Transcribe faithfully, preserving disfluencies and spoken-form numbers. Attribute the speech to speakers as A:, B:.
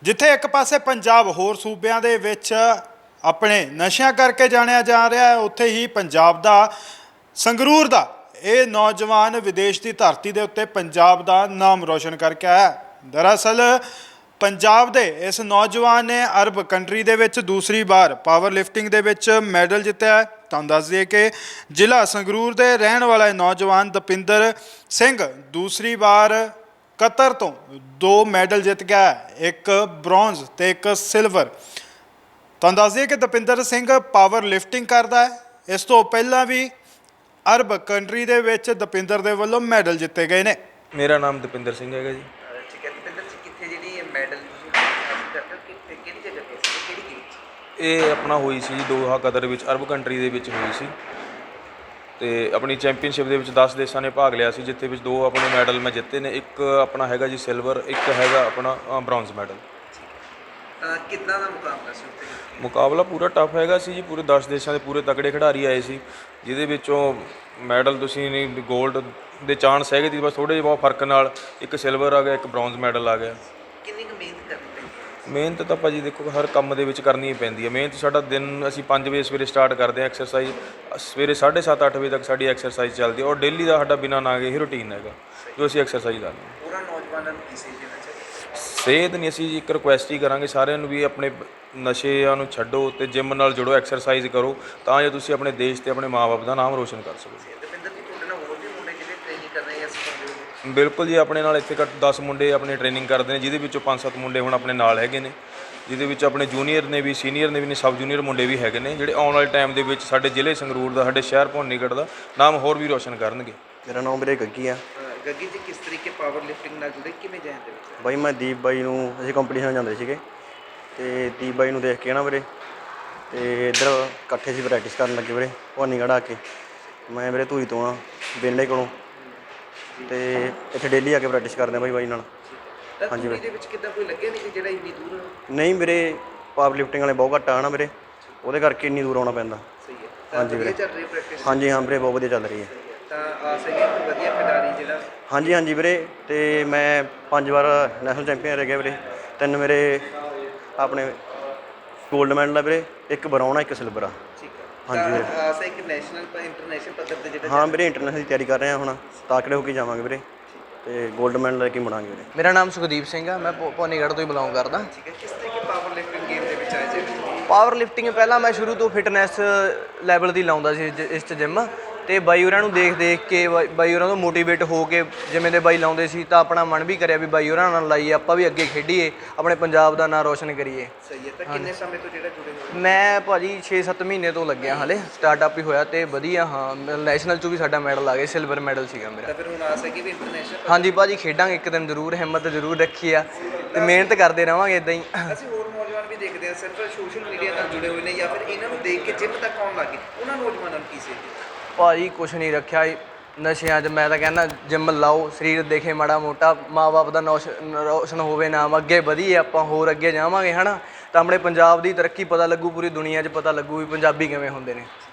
A: ਜਿੱਥੇ ਇੱਕ ਪਾਸੇ ਪੰਜਾਬ ਹੋਰ ਸੂਬਿਆਂ ਦੇ ਵਿੱਚ ਆਪਣੇ ਨਸ਼ਿਆਂ ਕਰਕੇ ਜਾਣਿਆ ਜਾ ਰਿਹਾ ਹੈ, ਉੱਥੇ ਹੀ ਪੰਜਾਬ ਦਾ ਸੰਗਰੂਰ ਦਾ ਇਹ ਨੌਜਵਾਨ ਵਿਦੇਸ਼ ਦੀ ਧਰਤੀ ਦੇ ਉੱਤੇ ਪੰਜਾਬ ਦਾ ਨਾਮ ਰੋਸ਼ਨ ਕਰਕੇ ਆਇਆ। ਦਰਅਸਲ ਪੰਜਾਬ ਦੇ ਇਸ ਨੌਜਵਾਨ ਨੇ ਅਰਬ ਕੰਟਰੀ ਦੇ ਵਿੱਚ ਦੂਸਰੀ ਵਾਰ ਪਾਵਰ ਲਿਫਟਿੰਗ ਦੇ ਵਿੱਚ ਮੈਡਲ ਜਿੱਤਿਆ ਹੈ। ਤੁਹਾਨੂੰ ਦੱਸ ਦਈਏ ਕਿ ਜ਼ਿਲ੍ਹਾ ਸੰਗਰੂਰ ਦੇ ਰਹਿਣ ਵਾਲਾ ਨੌਜਵਾਨ ਦਪਿੰਦਰ ਸਿੰਘ ਦੂਸਰੀ ਵਾਰ ਕਤਰ ਤੋਂ ਦੋ ਮੈਡਲ ਜਿੱਤ ਗਿਆ ਹੈ, ਇੱਕ ਬ੍ਰੌਂਜ਼ ਤੇ ਇੱਕ ਸਿਲਵਰ। ਤੁਹਾਨੂੰ ਦੱਸ ਦਈਏ ਕਿ ਦਪਿੰਦਰ ਸਿੰਘ ਪਾਵਰ ਲਿਫਟਿੰਗ ਕਰਦਾ ਹੈ। ਇਸ ਤੋਂ ਪਹਿਲਾਂ ਵੀ ਅਰਬ ਕੰਟਰੀ ਦੇ ਵਿੱਚ ਦਪਿੰਦਰ ਦੇ ਵੱਲੋਂ ਮੈਡਲ ਜਿੱਤੇ ਗਏ ਨੇ।
B: ਮੇਰਾ ਨਾਮ ਦਪਿੰਦਰ ਸਿੰਘ ਹੈਗਾ ਜੀ।
C: ਠੀਕ ਹੈ ਦਪਿੰਦਰ ਜੀ, ਕਿੱਥੇ ਜਿਹੜੀ ਇਹ ਮੈਡਲ ਤੁਸੀਂ ਹਾਸਲ ਕਰਦੇ ਹੋ, ਕਿੱਥੇ ਕਿਹੜੀ ਜਗ੍ਹਾ ਤੇ ਸੀ, ਕਿਹੜੀ ਗੇਮ 'ਚ?
B: ਇਹ ਆਪਣਾ ਹੋਈ ਸੀ ਜੀ ਦੋਹਾ ਕਤਰ ਵਿੱਚ, ਅਰਬ ਕੰਟਰੀ ਦੇ ਵਿੱਚ ਹੋਈ ਸੀ ਤੇ ਆਪਣੀ ਚੈਂਪੀਅਨਸ਼ਿਪ ਦੇ ਵਿੱਚ ਦਸ ਦੇਸ਼ਾਂ ਨੇ ਭਾਗ ਲਿਆ ਸੀ, ਜਿੱਥੇ ਵਿੱਚ ਦੋ ਆਪਣੇ ਮੈਡਲ ਮੈਂ ਜਿੱਤੇ ਨੇ। ਇੱਕ ਆਪਣਾ ਹੈਗਾ ਜੀ ਸਿਲਵਰ, ਇੱਕ ਹੈਗਾ ਆਪਣਾ ਬ੍ਰੌਂਜ਼ ਮੈਡਲ।
C: ਕਿੱਦਾਂ ਦਾ ਮੁਕਾਬਲਾ ਸੀ ਉੱਥੇ?
B: ਮੁਕਾਬਲਾ ਪੂਰਾ ਟਫ ਹੈਗਾ ਸੀ ਜੀ, ਪੂਰੇ ਦਸ ਦੇਸ਼ਾਂ ਦੇ ਪੂਰੇ ਤਕੜੇ ਖਿਡਾਰੀ ਆਏ ਸੀ, ਜਿਹਦੇ ਵਿੱਚੋਂ ਮੈਡਲ ਤੁਸੀਂ ਨਹੀਂ ਗੋਲਡ ਦੇ ਚਾਂਸ ਹੈਗੇ ਸੀ, ਬਸ ਥੋੜ੍ਹੇ ਜਿਹੇ ਬਹੁਤ ਫਰਕ ਨਾਲ ਇੱਕ ਸਿਲਵਰ ਆ ਗਿਆ, ਇੱਕ ਬ੍ਰੌਂਜ਼ ਮੈਡਲ ਆ ਗਿਆ।
C: ਕਿੰਨੀ ਕੁ ਮਿਹਨਤ ਕਰਨੀ ਪੈਂਦੀ ਹੈ?
B: ਮਿਹਨਤ ਤਾਂ ਭਾਜੀ ਦੇਖੋ ਹਰ ਕੰਮ ਦੇ ਵਿੱਚ ਕਰਨੀ ਹੀ ਪੈਂਦੀ ਹੈ। ਮਿਹਨਤ ਸਾਡਾ ਦਿਨ ਅਸੀਂ ਪੰਜ ਵਜੇ ਸਵੇਰੇ ਸਟਾਰਟ ਕਰਦੇ ਹਾਂ ਐਕਸਰਸਾਈਜ਼, ਸਵੇਰੇ ਸਾਢੇ ਸੱਤ ਅੱਠ ਵਜੇ ਤੱਕ ਸਾਡੀ ਐਕਸਰਸਾਈਜ਼ ਚੱਲਦੀ ਹੈ ਔਰ ਡੇਲੀ ਦਾ ਸਾਡਾ ਬਿਨਾਂ ਨਾ ਗਏ ਹੀ ਰੂਟੀਨ ਹੈਗਾ ਜੋ ਅਸੀਂ ਐਕਸਰਸਾਈਜ਼ ਕਰਦੇ ਹਾਂ।
C: ਪੂਰਾ ਨੌਜਵਾਨਾਂ ਨੂੰ ਕੀ ਸੇਧ ਦੇਣਾ ਚਾਹੀਦਾ?
B: ਸਿਹਤ ਨਹੀਂ, ਅਸੀਂ ਇੱਕ ਰਿਕੁਐਸਟ ਹੀ ਕਰਾਂਗੇ ਸਾਰਿਆਂ ਨੂੰ ਵੀ ਆਪਣੇ ਨਸ਼ਿਆਂ ਨੂੰ ਛੱਡੋ ਤੇ ਜਿਮ ਨਾਲ ਜੁੜੋ, ਐਕਸਰਸਾਈਜ਼ ਕਰੋ, ਤਾਂ ਜੋ ਤੁਸੀਂ ਆਪਣੇ ਦੇਸ਼ ਤੇ ਆਪਣੇ ਮਾਂ-ਬਾਪ ਦਾ ਨਾਮ ਰੋਸ਼ਨ ਕਰ ਸਕੋ।
C: ਦਪਿੰਦਰ ਜੀ, ਤੁਹਾਡੇ ਨਾਲ ਹੋਰ ਵੀ ਮੁੰਡੇ ਜਿਹੜੇ ਟ੍ਰੇਨਿੰਗ ਕਰ ਰਹੇ ਆ ਸਿਖਾਉਂਦੇ ਹੋ?
B: ਬਿਲਕੁਲ ਜੀ, ਆਪਣੇ ਨਾਲ ਇੱਥੇ ਘੱਟ ਦਸ ਮੁੰਡੇ ਆਪਣੇ ਟ੍ਰੇਨਿੰਗ ਕਰਦੇ ਨੇ, ਜਿਹਦੇ ਵਿੱਚੋਂ ਪੰਜ ਸੱਤ ਮੁੰਡੇ ਹੁਣ ਆਪਣੇ ਨਾਲ ਹੈਗੇ ਨੇ, ਜਿਹਦੇ ਵਿੱਚ ਆਪਣੇ ਜੂਨੀਅਰ ਨੇ ਵੀ, ਸੀਨੀਅਰ ਨੇ ਵੀ ਨੇ, ਸਬ ਜੂਨੀਅਰ ਮੁੰਡੇ ਵੀ ਹੈਗੇ ਨੇ, ਜਿਹੜੇ ਆਉਣ ਵਾਲੇ ਟਾਈਮ ਦੇ ਵਿੱਚ ਸਾਡੇ ਜ਼ਿਲ੍ਹੇ ਸੰਗਰੂਰ ਦਾ, ਸਾਡੇ ਸ਼ਹਿਰ ਭਵਾਨੀਗੜ੍ਹ ਦਾ ਨਾਮ ਹੋਰ ਵੀ ਰੋਸ਼ਨ ਕਰਨਗੇ।
D: ਮੇਰਾ ਨਾਮ ਵੀਰੇ ਗੱਗੀ ਆ।
C: ਗੱਗੀ ਜੀ, ਕਿਸ ਤਰੀਕੇ ਪਾਵਰ ਲਿਫਟਿੰਗ ਨਾਲ ਜੁੜੇ, ਕਿਵੇਂ ਜਾਣ ਦੇ ਵਿੱਚ?
D: ਬਾਈ ਮੈਂ ਦੀਪ ਬਾਈ ਨੂੰ, ਅਸੀਂ ਕੰਪੀਟੀਸ਼ਨ ਜਾਂਦੇ ਸੀਗੇ ਤੇ ਦੀਪ ਬਾਈ ਨੂੰ ਦੇਖ ਕੇ ਨਾ ਵੀਰੇ ਤੇ ਇੱਧਰ ਇਕੱਠੇ ਸੀ ਪ੍ਰੈਕਟਿਸ ਕਰਨ ਲੱਗੇ ਵੀਰੇ ਭਵਾਨੀਗੜ੍ਹ ਆ ਕੇ। ਮੈਂ ਵੀਰੇ ਧੂਰੀ ਤੋਂ ਆ ਬੇਲੇ ਕੋਲੋਂ ਤੇ ਇੱਥੇ ਡੇਲੀ ਆ ਕੇ ਪ੍ਰੈਕਟਿਸ ਕਰਦੇ ਆ ਬਾਈ ਬਾਈ ਨਾਲ।
C: ਹਾਂਜੀ ਵੀਰੇ, ਇਹਦੇ ਵਿੱਚ ਕਿੱਦਾਂ ਕੋਈ ਲੱਗਿਆ ਨਹੀਂ ਕਿ ਜਿਹੜਾ ਇੰਨੀ ਦੂਰ?
D: ਨਹੀਂ ਵੀਰੇ, ਪਾਵਰ ਲਿਫਟਿੰਗ ਵਾਲੇ ਬਹੁਤ ਘੱਟ ਆ ਨਾ ਵੀਰੇ, ਉਹਦੇ ਕਰਕੇ ਇੰਨੀ ਦੂਰ ਆਉਣਾ ਪੈਂਦਾ।
C: ਸਹੀ ਹੈ।
D: ਹਾਂਜੀ ਵੀਰੇ,
C: ਚੱਲ ਰਹੀ ਪ੍ਰੈਕਟਿਸ?
D: ਹਾਂਜੀ ਹਾਂ ਵੀਰੇ, ਬਹੁਤ ਵਧੀਆ ਚੱਲ ਰਹੀ ਹੈ।
C: ਤਾਂ ਆਸ ਹੈ ਕਿ ਵਧੀਆ ਖਿਡਾਰੀ ਜਿਹੜਾ?
D: ਹਾਂਜੀ ਹਾਂਜੀ ਵੀਰੇ, ਤੇ ਮੈਂ ਪੰਜ ਵਾਰ ਨੈਸ਼ਨਲ ਚੈਂਪੀਅਨ ਰਹਿ ਗਿਆ ਵੀਰੇ। ਤਿੰਨ ਮੇਰੇ ਆਪਣੇ ਗੋਲਡ ਮੈਡਲ ਆ ਵੀਰੇ, ਇੱਕ ਬਰਾਊਨ ਆ, ਇੱਕ ਸਿਲਵਰ ਆ।
C: ਠੀਕ ਹੈ।
D: ਹਾਂਜੀ ਵੀਰੇ,
C: ਆਸ ਹੈ ਕਿ ਨੈਸ਼ਨਲ ਪਰ ਇੰਟਰਨੈਸ਼ਨਲ ਪੱਧਰ ਤੇ ਜਿਹੜਾ?
D: ਹਾਂ ਵੀਰੇ, ਇੰਟਰਨੈਸ਼ਨਲ ਦੀ ਤਿਆਰੀ ਕਰ ਰਹੇ ਹਾਂ ਹੁਣ, ਤਾਕੜੇ ਹੋ ਕੇ ਜਾਵਾਂਗੇ ਵੀਰੇ ਤੇ ਗੋਲਡ ਮੈਡਲ ਲੈ ਕੇ ਮੁੜਾਂਗੇ ਵੀਰੇ।
E: ਮੇਰਾ ਨਾਮ ਸੁਖਦੀਪ ਸਿੰਘ ਆ, ਮੈਂ ਭੋ- ਭਵਾਨੀਗੜ੍ਹ ਤੋਂ ਹੀ ਬਿਲੋਂਗ ਕਰਦਾ।
C: ਠੀਕ ਹੈ। ਕਿਸ ਤਰੀਕੇ ਪਾਵਰ ਲਿਫਟਿੰਗ ਗੇਮ ਦੇ ਵਿੱਚ ਆਏ ਜੀ?
E: ਪਾਵਰ ਲਿਫਟਿੰਗ ਪਹਿਲਾਂ ਮੈਂ ਸ਼ੁਰੂ ਤੋਂ ਫਿਟਨੈਸ ਲੈਵਲ ਦੀ ਲਾਉਂਦਾ ਸੀ ਜ- ਇਸ 'ਚ ਜਿੰਮ, ਤੇ ਬਾਈ ਹੋਰਾਂ ਨੂੰ ਦੇਖ ਦੇਖ ਕੇ ਬਾਈ- ਬਾਈ ਹੋਰਾਂ ਤੋਂ ਮੋਟੀਵੇਟ ਹੋ ਕੇ ਜਿਵੇਂ ਦੇ ਬਾਈ ਲਾਉਂਦੇ ਸੀ ਤਾਂ ਆਪਣਾ ਮਨ ਵੀ ਕਰਿਆ ਵੀ ਬਾਈ ਹੋਰਾਂ ਨਾਲ ਲਾਈਏ, ਆਪਾਂ ਵੀ ਅੱਗੇ ਖੇਡੀਏ, ਆਪਣੇ ਪੰਜਾਬ ਦਾ ਨਾਂ ਰੋਸ਼ਨ ਕਰੀਏ।
C: ਸਹੀ ਹੈ। ਤਾਂ ਕਿੰਨੇ ਸਮੇਂ ਤੋਂ ਜਿਹੜਾ ਜੁੜੇ ਹੋਏ?
E: ਮੈਂ ਭਾਜੀ ਛੇ ਸੱਤ ਮਹੀਨੇ ਤੋਂ ਲੱਗਿਆ, ਹਾਲੇ ਸਟਾਰਟਅਪ ਹੀ ਹੋਇਆ ਤੇ ਵਧੀਆ। ਹਾਂ, ਨੈਸ਼ਨਲ 'ਚੋਂ ਵੀ ਸਾਡਾ ਮੈਡਲ ਆ ਗਿਆ, ਸਿਲਵਰ ਮੈਡਲ ਸੀਗਾ ਮੇਰਾ।
C: ਤਾਂ ਫਿਰ ਹੁਣ ਆਸ ਹੈ ਕਿ ਵੀ ਇੰਟਰਨੈਸ਼ਨਲ?
E: ਹਾਂਜੀ ਭਾਜੀ, ਖੇਡਾਂਗੇ ਇੱਕ ਦਿਨ ਜ਼ਰੂਰ, ਹਿੰਮਤ ਜ਼ਰੂਰ ਰੱਖੀ ਆ ਤੇ ਮਿਹਨਤ ਕਰਦੇ ਰਹਾਂਗੇ ਇੱਦਾਂ ਹੀ।
C: ਅਸੀਂ ਹੋਰ ਨੌਜਵਾਨ ਵੀ ਦੇਖਦੇ ਹਾਂ ਸਿਰਫ ਸੋਸ਼ਲ ਮੀਡੀਆ ਨਾਲ ਜੁੜੇ ਹੋਏ ਨੇ ਜਾਂ ਫਿਰ ਇਹਨਾਂ ਨੂੰ ਦੇਖ ਕੇ ਜਿੰਮ ਤੱਕ ਆਉਣ ਲੱਗੇ, ਉਹਨਾਂ ਨੌਜਵਾਨਾਂ ਨੂੰ ਕੀ ਸੇਧ?
E: ਭਾਜੀ ਕੁਛ ਨਹੀਂ ਰੱਖਿਆ ਨਸ਼ਿਆਂ 'ਚ। ਮੈਂ ਤਾਂ ਕਹਿੰਦਾ ਜਿੰਮ ਲਾਓ, ਸਰੀਰ ਦੇਖੇ ਮਾੜਾ ਮੋਟਾ, ਮਾਂ-ਬਾਪ ਦਾ ਨੌਸ਼ ਰੋਸ਼ਨ ਹੋਵੇ ਨਾਮ, ਅੱਗੇ ਵਧੀਏ, ਆਪਾਂ ਹੋਰ ਅੱਗੇ ਜਾਵਾਂਗੇ ਹੈ ਨਾ, ਤਾਂ ਆਪਣੇ ਪੰਜਾਬ ਦੀ ਤਰੱਕੀ ਪਤਾ ਲੱਗੂ, ਪੂਰੀ ਦੁਨੀਆ 'ਚ ਪਤਾ ਲੱਗੂ ਵੀ ਪੰਜਾਬੀ ਕਿਵੇਂ ਹੁੰਦੇ ਨੇ।